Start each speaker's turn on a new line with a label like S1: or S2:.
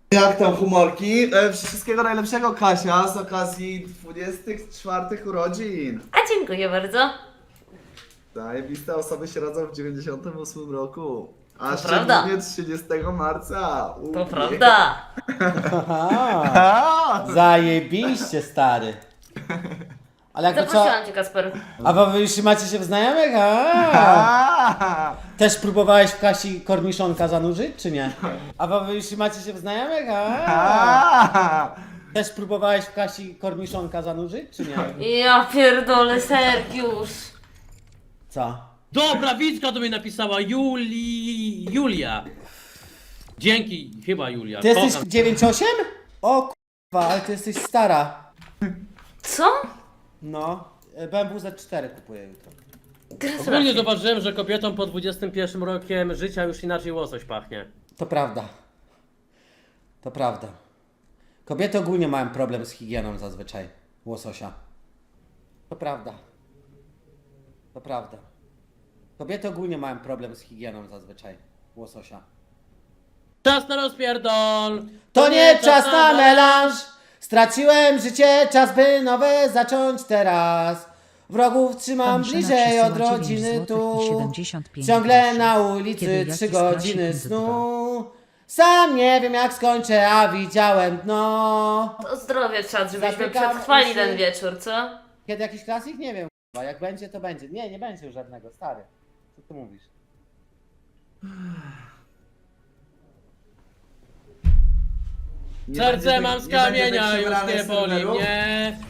S1: Jak tam humorki? Wszystkiego najlepszego, Kasia, z okazji 24 urodzin.
S2: A dziękuję bardzo.
S1: Zajebiste osoby się rodzą w 98 roku. A
S2: To prawda.
S1: szczególnie 30 marca.
S2: To prawda.
S3: Aha, zajebiście, stary. Ale jakby co...
S2: Zaprosiłam cię, Kasper.
S3: A wy już macie się w znajomych? Też próbowałeś w Kasi korniszonka zanurzyć, czy nie? A wy już macie się w znajomych? Też próbowałeś w Kasi korniszonka zanurzyć, czy nie?
S2: Ja pierdolę, Sergiusz.
S3: Co?
S4: Dobra, Wicka do mnie napisała, Julia. Dzięki, chyba Julia.
S3: Ty jesteś
S4: Kocham.
S3: 9,8? O k***wa, ale ty jesteś stara.
S2: Co?
S3: No, BMW Z4 kupuję jutro.
S4: Ogólnie
S2: Gratulacje.
S4: zauważyłem, że kobietom po 21 rokiem życia już inaczej łosoś pachnie.
S3: To prawda. To prawda. Kobiety ogólnie mają problem z higieną zazwyczaj. Łososia. To prawda. To prawda. Kobiety ogólnie mają problem z higieną zazwyczaj. Łososia.
S4: Czas na rozpierdol!
S3: To nie czas na melanż! Straciłem życie, czas by nowe zacząć teraz. Wrogów trzymam
S5: Pan Szyna
S3: bliżej od
S5: przesyła 9
S3: rodziny
S5: złotych
S3: tu.
S5: i 75
S3: Ciągle
S5: groszy.
S3: na
S5: Kiedy
S3: ulicy
S5: jaki
S3: 3
S5: z
S3: godziny
S5: klasikiem
S3: snu. Sam nie wiem jak skończę, a widziałem dno.
S2: To zdrowie trzeba, żebyśmy
S3: Zamykam
S2: przetrwali
S3: uszy.
S2: ten wieczór, co?
S3: Kiedy jakiś klasik? Nie wiem. k***a. Jak będzie, to będzie. Nie, nie będzie już żadnego, stary. Co ty mówisz?
S1: Nie
S4: Serce
S1: będzie
S4: mam
S1: tych-
S4: z
S1: nie będzie
S4: kamienia,
S1: tych
S4: już
S1: przebranych
S4: nie boli
S1: serwerów?
S4: mnie.